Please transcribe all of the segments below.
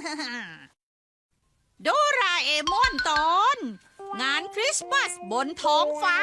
โดราเอมอนตอน งานคริสต์มาสบนท้องฟ้า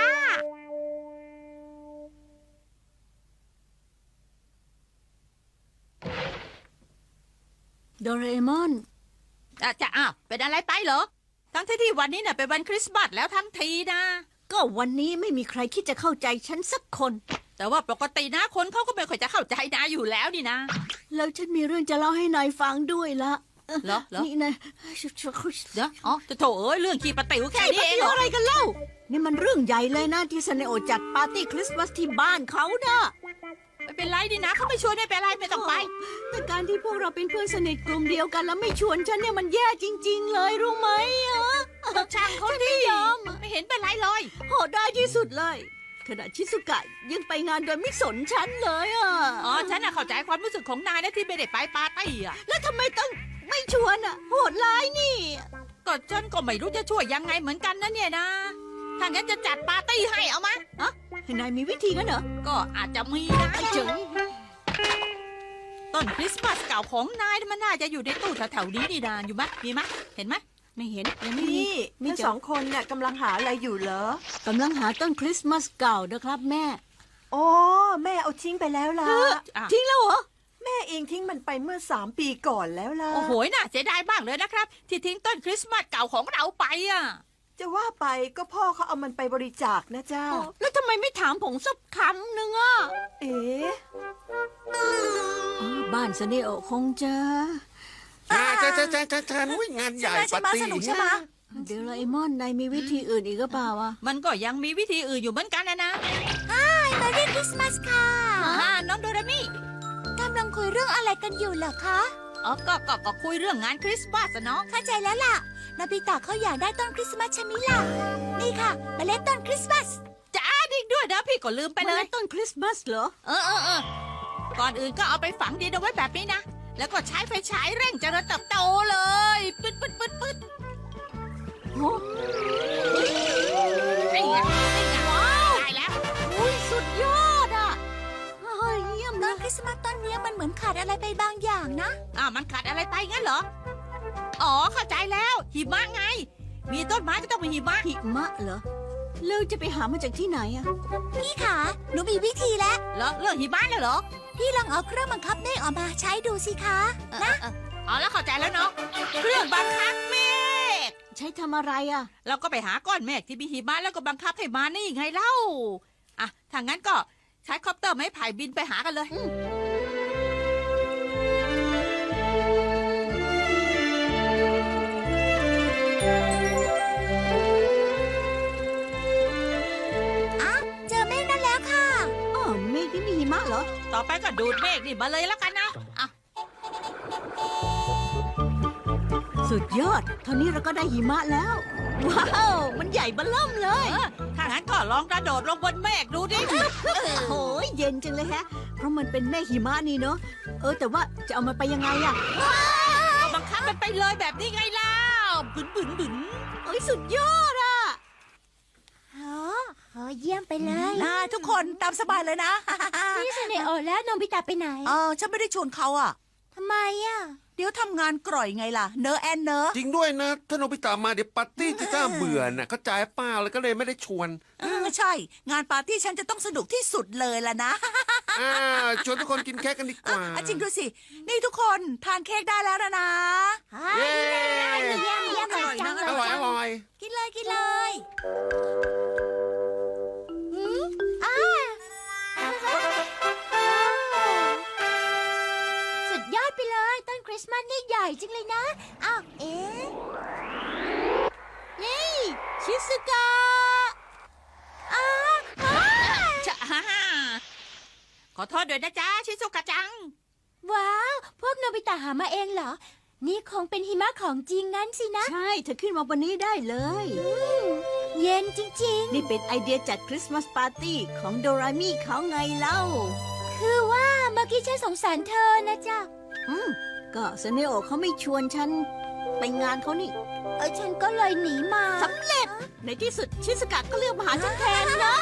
โดราเอมอนจะเป็นอะไรไปเหรอ ทั้งที่วันนี้เนี่ยเป็นวันคริสต์มาสแล้วทั้งทีนะก็วันนี้ไม่มีใครคิดจะเข้าใจฉันสักคนแต่ว่าปกตินะคนเขาก็ไม่ค่อยจะเข้าใจนายอยู่แล้วนี่นะแล้วฉันมีเรื่องจะเล่าให้นายฟังด้วยละเหรอนี่นะเดี๋ยวจะโถเอ้ยเรื่องขี้ปะติ๋วแค่นี้เองเหรออะไรกันเล่านี่มันเรื่องใหญ่เลยนะที่ซันเนโอจัดปาร์ตี้คริสต์มาสที่บ้านเขานะไม่เป็นไรดินะเขาไม่ชวนไม่เป็นไรไม่ต้องไปแต่การที่พวกเราเป็นเพื่อนสนิทกลุ่มเดียวกันแล้วไม่ชวนฉันเนี่ยมันแย่จริงๆเลยรู้ไหมช่างเขาฉันดิไม่ยอมไม่เห็นเป็นไรเลยโหดได้ที่สุดเลยขณะชิสุกะยังไปงานโดยไม่สนฉันเลยฉันเข้าใจความรู้สึกของนายนะที่ไม่ได้ไปปาร์ตี้อ่ะแล้วทำไมต้องไม่ชวนโหดร้ายนี่ก็ฉันก็ไม่รู้จะช่วยยังไงเหมือนกันนะเนี่ยนะถ้างั้นจะจัดปาร์ตี้ให้เอามาให้นายมีวิธีกันเหรอก็อาจจะมีนะไอ้เจ๋งต้นคริสต์มาสเก่าของนายมันน่าจะอยู่ในตู้แถวๆนี้นี่นาอยู่มะมีมะเห็นไหมไม่เห็นยังไม่มีนี่ทั้งสองคนเนี่ยกำลังหาอะไรอยู่เหรอกำลังหาต้นคริสต์มาสเก่านะครับแม่อ๋อแม่เอาทิ้งไปแล้วล่ะทิ้งแล้วเหรอแม่เองทิ้งมันไปเมื่อ3 ปีก่อนแล้วล่ะโอ้โหน่าเสียดายมากเลยนะครับ ที่ทิ้งต้นคริสต์มาสเก่าของเราไปอ่ะจะว่าไปก็พ่อเขาเอามันไปบริจาคนะจ้าแล้วทำไมไม่ถามผมสักคำหนึ่งเอ๋บ้านซันเนโอคงจะจะวิ่งงานใหญ่ปาร์ตี้เดราเอมอนนายมีวิธีอื่นอีกหรือเปล่าวะมันก็ยังมีวิธีอื่นอยู่เหมือนกันนะมาเรียนคริสต์มาสค่ะน้องโดรามิกำลังคุยเรื่องอะไรกันอยู่เหรอคะก็คุยเรื่องงานคริสต์มาสอะเนาะเข้าใจแล้วล่ะนาบิตะเขาอยากได้ต้นคริสต์มาสใช่ไหมล่ะนี่ค่ะเมล็ดต้นคริสต์มาสจ้าดิ้งด้วยนะพี่ก็ลืมไปเลยต้นคริสต์มาสเหรอก่อนอื่นก็เอาไปฝังดินเอาไว้แบบนี้นะ แล้วก็ใช้ไฟฉายเร่งเจริญเติบโตเลย ปึ๊ดโอ้ไอ้เงี้ยว้าวได้แล้วอุ้ยสุดยอดเฮ้ยเยี่ยมต้เลนยคริสต์มาสต้นเนี้ยมันเหมือนขาดอะไรไปบางอย่างนะมันขาดอะไรไปงั้นเหรอ เข้าใจแล้วหิมะไง มีต้นไม้ก็ต้องมีหิมะหิมะเหรอแล้วจะไปหามาจากที่ไหนอะพี่ขาหนูมีวิธีแล้วเหรอเรื่องหิมะเลยเหรอพี่ลองเอาเครื่องบังคับเมฆออกมาใช้ดูสิคะนะแล้วเข้าใจแล้วเนาะ เครื่องบังคับเมฆใช้ทำอะไรอะเราก็ไปหาก้อนเมฆที่มีหิมะแล้วก็บังคับให้มานี่ไงเล่า ถ้างั้นก็ใช้คอปเตอร์ไม้ไผ่บินไปหากันเลยเจอเมฆนั่นแล้วค่ะเมฆที่มีหิมะเหรอต่อไปก็ดูดเมฆนี่มาเลยแล้วกันนะสุดยอดเท่านี้เราก็ได้หิมะแล้ว ว้าวมันใหญ่เบ้อเริ่มเลยถ้างั้นก็ลองกระโดดลงบนเมฆดูดิโอ้ยเย็นจังเลยเพราะมันเป็นเมฆหิมะนี่เนาะแต่ว่าจะเอามันไปยังไงอะก็บังคับมันไปเลยแบบนี้ไงเล่าบึนสุดยอดอะเยี่ยมไปเลยทุกคนตามสบายเลยนะพี่ซันเนโอและโนบิตะไปไหนฉันไม่ได้ชวนเขาอ่ะทำไมอ่ะเดี๋ยวทำงานกร่อยไงล่ะ เนอะแอนเนอะจริงด้วยนะ ถ้าโนบิตะมาเดี๋ยวปาร์ตี้จะน่าเบื่อน่ะเข้าใจเปล่าเลยก็เลยไม่ได้ชวนใช่ งานปาร์ตี้ฉันจะต้องสนุกที่สุดเลยล่ะนะชวนทุกคนกินเค้กกันดีกว่าจริงด้วยสิ นี่ทุกคนทานเค้กได้แล้วนะเย้เยี่ยมเลยจังเลยอร่อยอร่อยกินเลย สุดยอดไปเลยต้นคริสต์มาสนี่ใหญ่จริงเลยนะอ้าวนี่ชิสุกะขอโทษด้วยนะจ๊ะชิซุกะจังว้าว พวกโนบิตะหามาเองเหรอ นี่คงเป็นหิมะของจริงงั้นสินะใช่เธอขึ้นมาบนนี้ได้เลยเย็นจริงนี่เป็นไอเดียจัดคริสต์มาสปาร์ตี้ของโดรามิเขาไงเล่าๆ คือว่าเมื่อกี้ฉันสงสารเธอนะจ๊ะก็ซันเนโอเขาไม่ชวนฉันไปงานเขานี่ฉันก็เลยหนีมาสำเร็จในที่สุดชิสุกะก็เลือกมาหาฉันแทนนะ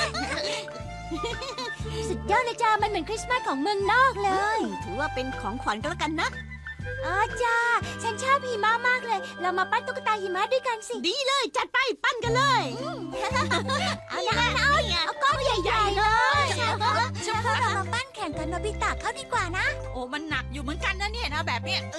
สุดยอดเลยจ้ามันเหมือนคริสต์มาสของเมืองนอกเลยถือว่าเป็นของขวัญก็แล้วกันนะจ้าฉันชอบหิมะมากเลย เรามาปั้นตุ๊กตาหิมะด้วยกันสิดีเลยจัดไปปั้นกันเลยเอาอย่างนั้นเอาก้อนใหญ่ๆเลยพวกเรามาปั้นแข่งกันโนบิตะเข้าดีกว่านะโอ้มันหนักอยู่เหมือนกันนะเนี่ยนะแบบเนี้ย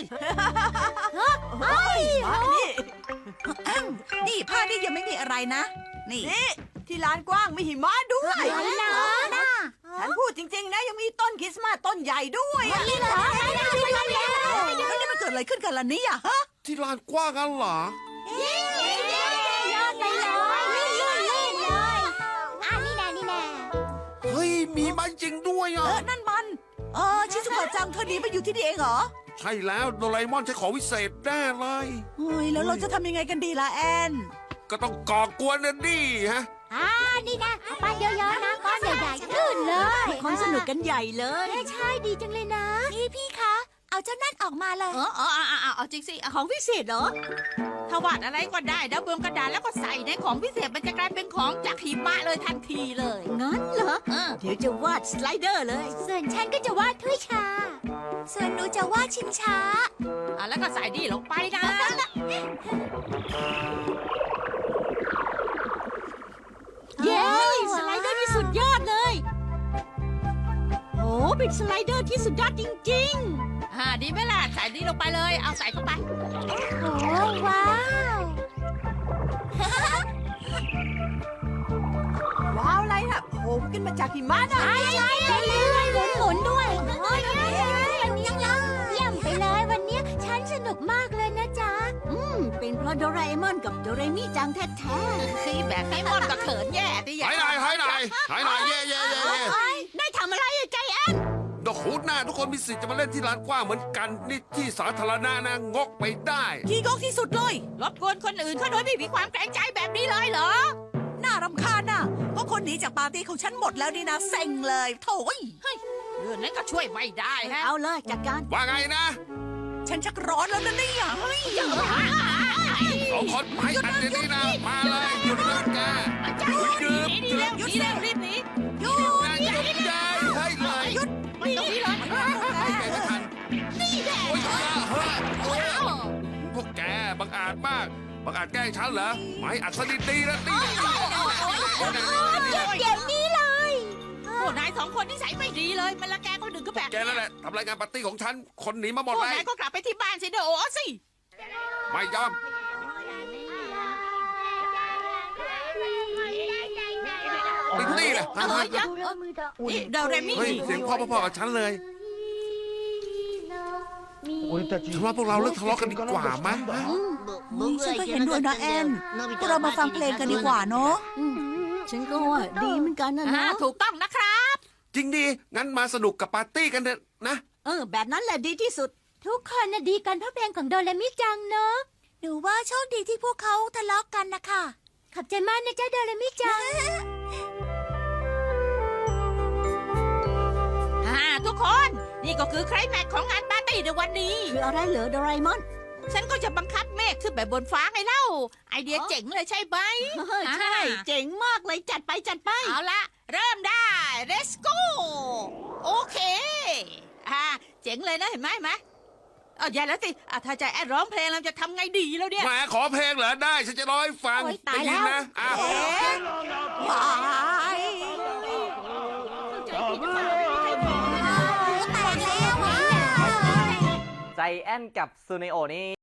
นี่ผ้านี่ยังไม่มีอะไรนะ นี่ที่ลานกว้างมีหิมะด้วยอะไรนะฉันพูดจริงๆนะยังมีต้นคริสต์มาสต้นใหญ่ด้วยอะนี่เหรอแล้วแล้วนี่มันเกิดอะไรขึ้นกันล่ะเนี่ยฮะที่ลานกว้างกันเหรอยอดไปเลยนี่แน่เฮ้ยมีมันจริงด้วยอ่ะนั่นมันชิซุกะจังเธอหนีมาอยู่ที่นี่เองเหรอใช่แล้วโดราเอมอนใช้ของวิเศษแน่เลยเฮ้ยแล้วเราจะทำยังไงกันดีล่ะแอนก็ต้องก่อกวนนะดิฮะนี่นะเอาปั้นเยอะๆนะก้อนใหญ่ๆขึ้นเลยคนสนุกกันใหญ่เลยใช่ดีจังเลยนะนี่พี่คะเอาเจ้านั่นออกมาเลยเอาจริงสิของพิเศษเหรอถ้าวาดอะไรก็ได้แล้วบนกระดาษแล้วก็ใส่ในของพิเศษมันจะกลายเป็นของจากหิมะเลยทันทีเลยงั้นเหรอเออเดี๋ยวจะวาดสไลเดอร์เลยส่วนฉันก็จะวาดถ้วยชา ส่วนหนูจะวาดชิงช้าแล้วก็ใส่ดีลงไปนะเย้สไลเดอร์ที่สุดยอดเลยโอ้เป็นสไลเดอร์ที่สุดยอดจริงดีไหมล่ะใส่ดีลงไปเลยเอาใส่เข้าไปโอ้ว้าวๆ ว้าวอะไรน่ะผมขึ้นมาจากหิมะนะใช่หมุนด้วยโอ้ยเยี่ยมไปเลยวันนี้ฉันสนุกมากเลยนะจ๊ะเป็นเพราะโดราเอมอนกับโดเรมิจังแท้คือแบบให้มอนกับเขินแย่ดิหายหน่อยหายหน่อยหายหน่อยเย่เย่เย่เย่ๆได้ทำอะไรอะใจแอนดอกหูหน้าทุกคนมีสิทธิ์จะมาเล่นที่ลานกว้างเหมือนกันนี่ที่สาธารณะนะงกไปได้ขี้งกที่สุดเลยรบกวนคนอื่นเขาโดยไม่มีความเกรงใจแบบนี้เลยเหรอน่ารำคาญน่ะก็คนหนีจากปาร์ตี้ของฉันหมดแล้วนี่นะเซ็งเลยโถ่ยเรื่องนั้นก็ช่วยไม่ได้ฮะเอาเลยจัดการว่าไงนะฉันชักร้อนแล้วนะเนี่ยเฮ้ยสองคนไปอันเดียวนี้นะมาเลยหยุดนะแกหยุดหนีเร็วหนีเร็วรีบหนีหยุดนะหยุดยายให้เลยไม่ต้องหนีเลยไม่ทันโอ้ยเฮ้ยพวกแกบังอาจมากบังอาจแกล้งฉันเหรอไม่อัดสนิทดีนะตีเดี๋ยวนี้เลยพวกนายสองคนนิสัยไม่ดีเลยมันละแกคนอื่นก็แบบแกนั่นแหละทำรายงานปาร์ตี้ของฉันคนหนีมาหมดพวกเลยนายก็กลับไปที่บ้านสิเด้อโอ้สิไม่ยอม ติดนี่แหละนี่เดาเรมี่เฮ้ยเสียงพ่อกับฉันเลยฉันว่าพวกเราเลิกทะเลาะกันดีกว่ามั้ยฉันก็เห็นด้วยนะแอนพวกเรามาฟังเพลงกันดีกว่าเนาะฉันก็ว่าดีเหมือนกันนะเนาะถูกต้องนะครับจริงดีงั้นมาสนุกกับปาร์ตี้กันเถอะนะแบบนั้นแหละดีที่สุดทุกคนน่ะดีกันเพราะเพลงของโดเรมิจังเนอะหนูว่าโชคดีที่พวกเขาทะเลาะกันนะคะขอบใจมากนะจ๊ะโดเรมิจังทุกคนนี่ก็คือไคลแม็กซ์ของงานปาร์ตี้ในวันนี้คืออะไรเหรอโดราเอมอนฉันก็จะบังคับเมฆขึ้นไปบนฟ้าไงเล่า ไอเดียเจ๋งเลยใช่ไหมใช่ เจ๋งมากเลยจัดไปจัดไปเอาละเริ่มได้ let's go โอเคเจ๋งเลยนะเห็นไหมอย่าแล้วสิถ้าใจแอดร้องเพลงเราจะทำไงดีแล้วเนี่ยแหมขอเพลงเหรอได้ฉันจะร้องให้ฟังโอ๊ยตายได้ยินแล้วนะอ้าวว้ายแต่แล้วใจแอนกับซูเนโอนี่